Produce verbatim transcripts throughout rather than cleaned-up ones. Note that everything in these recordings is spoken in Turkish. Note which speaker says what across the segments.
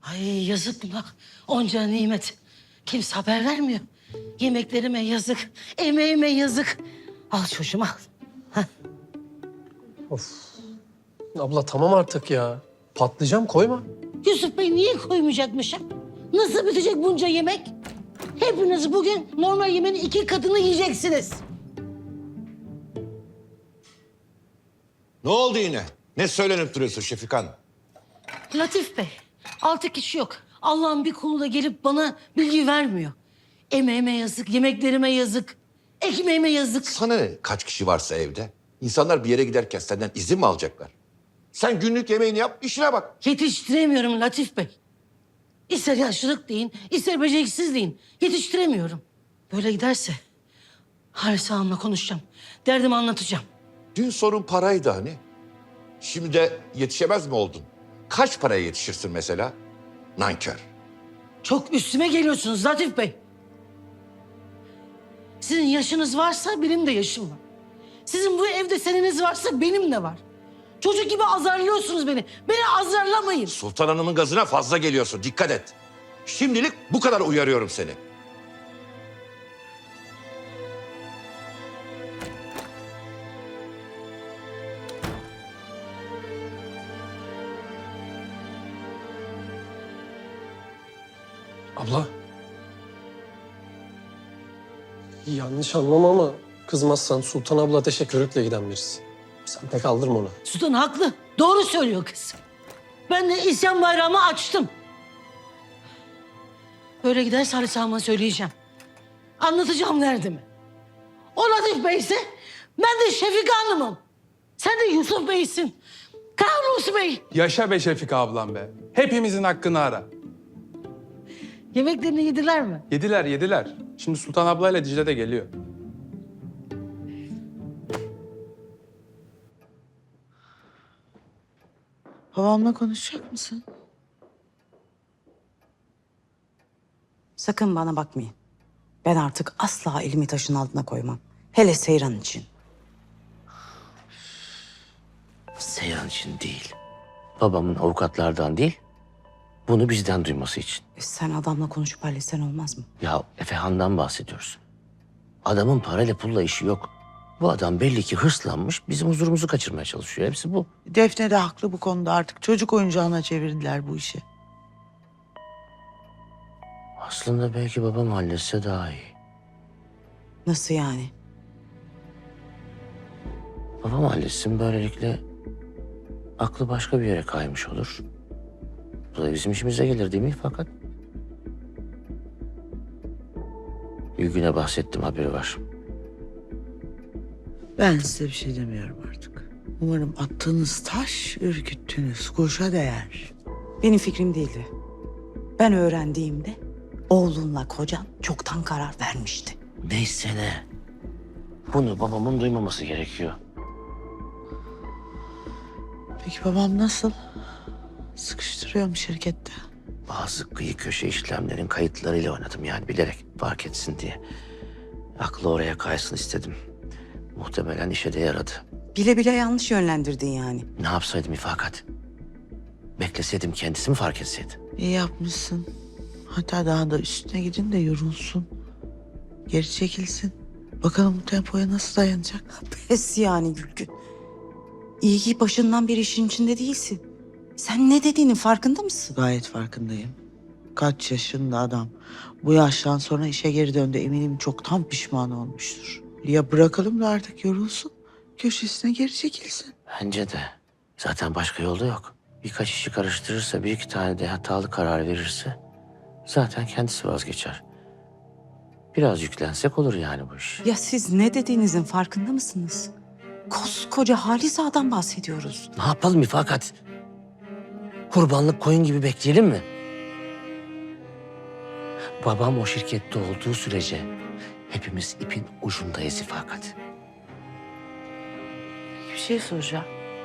Speaker 1: Ay yazık buna. Onca nimet. Kimse haber vermiyor. Yemeklerime yazık. Emeğime yazık. Al çocuğum al. Hah.
Speaker 2: Of. Abla tamam artık ya. Patlayacağım, koyma.
Speaker 1: Yusuf Bey niye koymayacakmışım? Nasıl bitecek bunca yemek? Hepiniz bugün normal yemeğin iki katını yiyeceksiniz.
Speaker 3: Ne oldu yine? Ne söylenip duruyorsun Şefikan?
Speaker 1: Latif Bey, altı kişi yok. Allah'ın bir kulu da gelip bana bilgi vermiyor. Emeğime yazık, yemeklerime yazık, ekmeğime yazık.
Speaker 3: Sana ne kaç kişi varsa evde? İnsanlar bir yere giderken senden izin mi alacaklar? Sen günlük yemeğini yap, işine bak.
Speaker 1: Yetiştiremiyorum Latif Bey. İster yaşlılık deyin, ister beceriksiz deyin. Yetiştiremiyorum. Böyle giderse Halis Ağam'la konuşacağım. Derdimi anlatacağım.
Speaker 3: Dün sorun paraydı hani. Şimdi de yetişemez mi oldun? Kaç paraya yetişirsin mesela? Nankör.
Speaker 1: Çok üstüme geliyorsunuz Latif Bey. Sizin yaşınız varsa benim de yaşım var. Sizin bu evde seneniz varsa benim de var. Çocuk gibi azarlıyorsunuz beni. Beni azarlamayın.
Speaker 3: Sultan Hanım'ın gazına fazla geliyorsun. Dikkat et. Şimdilik bu kadar uyarıyorum seni.
Speaker 2: Abla. Yanlış anlama ama kızmazsan Sultan abla ateşe körükle giden birisi. Sen pek aldırma ona.
Speaker 1: Sultan haklı. Doğru söylüyor kız. Ben de isyan bayrağımı açtım. Böyle giderse Halis Ağam'a söyleyeceğim. Anlatacağım derdimi. O Latif Bey'se ben de Şefika Hanım'ım. Sen de Yusuf Bey'sin. Kavrus Bey.
Speaker 4: Yaşa be Şefika ablam be. Hepimizin hakkını ara.
Speaker 1: Yemeklerini yediler mi?
Speaker 4: Yediler yediler. Şimdi Sultan ablayla Dicle de geliyor.
Speaker 5: Babamla konuşacak mısın?
Speaker 6: Sakın bana bakmayın. Ben artık asla elimi taşın altına koymam. Hele Seyran için.
Speaker 7: Seyran için değil. Babamın avukatlardan değil, bunu bizden duyması için.
Speaker 6: E sen adamla konuşup halletsen olmaz mı?
Speaker 7: Ya Efehan'dan bahsediyoruz. Adamın parayla pulla işi yok. Bu adam belli ki hırslanmış, bizim huzurumuzu kaçırmaya çalışıyor. Hepsi bu.
Speaker 5: Defne de haklı bu konuda artık. Çocuk oyuncağına çevirdiler bu işi.
Speaker 7: Aslında belki babam halletse daha iyi.
Speaker 6: Nasıl yani?
Speaker 7: Babam halletsin, böylelikle aklı başka bir yere kaymış olur. Bu da bizim işimize gelir değil mi fakat? Gülgün'e bahsettim, haberi var.
Speaker 5: Ben size bir şey demiyorum artık. Umarım attığınız taş, ürküttüğünüz kuşa değer.
Speaker 6: Benim fikrim değildi. Ben öğrendiğimde oğlunla kocan çoktan karar vermişti.
Speaker 7: Neyse ne. Bunu babamın duymaması gerekiyor.
Speaker 5: Peki babam nasıl? Sıkıştırıyor mu şirkette?
Speaker 7: Bazı kıyı köşe işlemlerin kayıtlarıyla oynadım yani bilerek fark etsin diye. Aklı oraya kaysın istedim. Muhtemelen işe de yaradı.
Speaker 6: Bile bile yanlış yönlendirdin yani.
Speaker 7: Ne yapsaydım ifakat? Bekleseydim kendisi mi fark etseydi?
Speaker 5: İyi yapmışsın. Hatta daha da üstüne gidin de yorulsun. Geri çekilsin. Bakalım bu tempoya nasıl dayanacak?
Speaker 6: Pes yani Gülgün. İyi ki başından bir işin içinde değilsin. Sen ne dediğinin farkında mısın?
Speaker 5: Gayet farkındayım. Kaç yaşında adam. Bu yaştan sonra işe geri döndü. Eminim çoktan pişman olmuştur. Ya bırakalım da artık yorulsun. Köşesine geri çekilsin.
Speaker 7: Bence de. Zaten başka yolda yok. Birkaç işi karıştırırsa, bir iki tane de hatalı karar verirse zaten kendisi vazgeçer. Biraz yüklensek olur yani bu iş.
Speaker 6: Ya siz ne dediğinizin farkında mısınız? Koskoca Halis Ağa'dan bahsediyoruz.
Speaker 7: Ne yapalım ifakat? Kurbanlık koyun gibi bekleyelim mi? Babam o şirkette olduğu sürece hepimiz ipin ucundayız ifakat.
Speaker 5: Bir şey soracağım.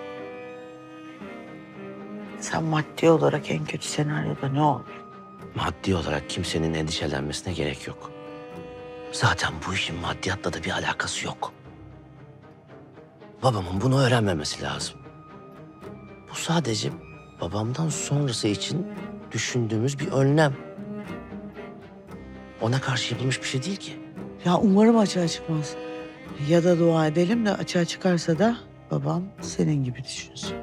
Speaker 5: Sen maddi olarak en kötü senaryoda ne olur?
Speaker 7: Maddi olarak kimsenin endişelenmesine gerek yok. Zaten bu işin maddiyatla da bir alakası yok. Babamın bunu öğrenmemesi lazım. Bu sadece babamdan sonrası için düşündüğümüz bir önlem. Ona karşı yapılmış bir şey değil ki.
Speaker 5: Ya umarım açığa çıkmaz. Ya da dua edelim de açığa çıkarsa da babam senin gibi düşünsün.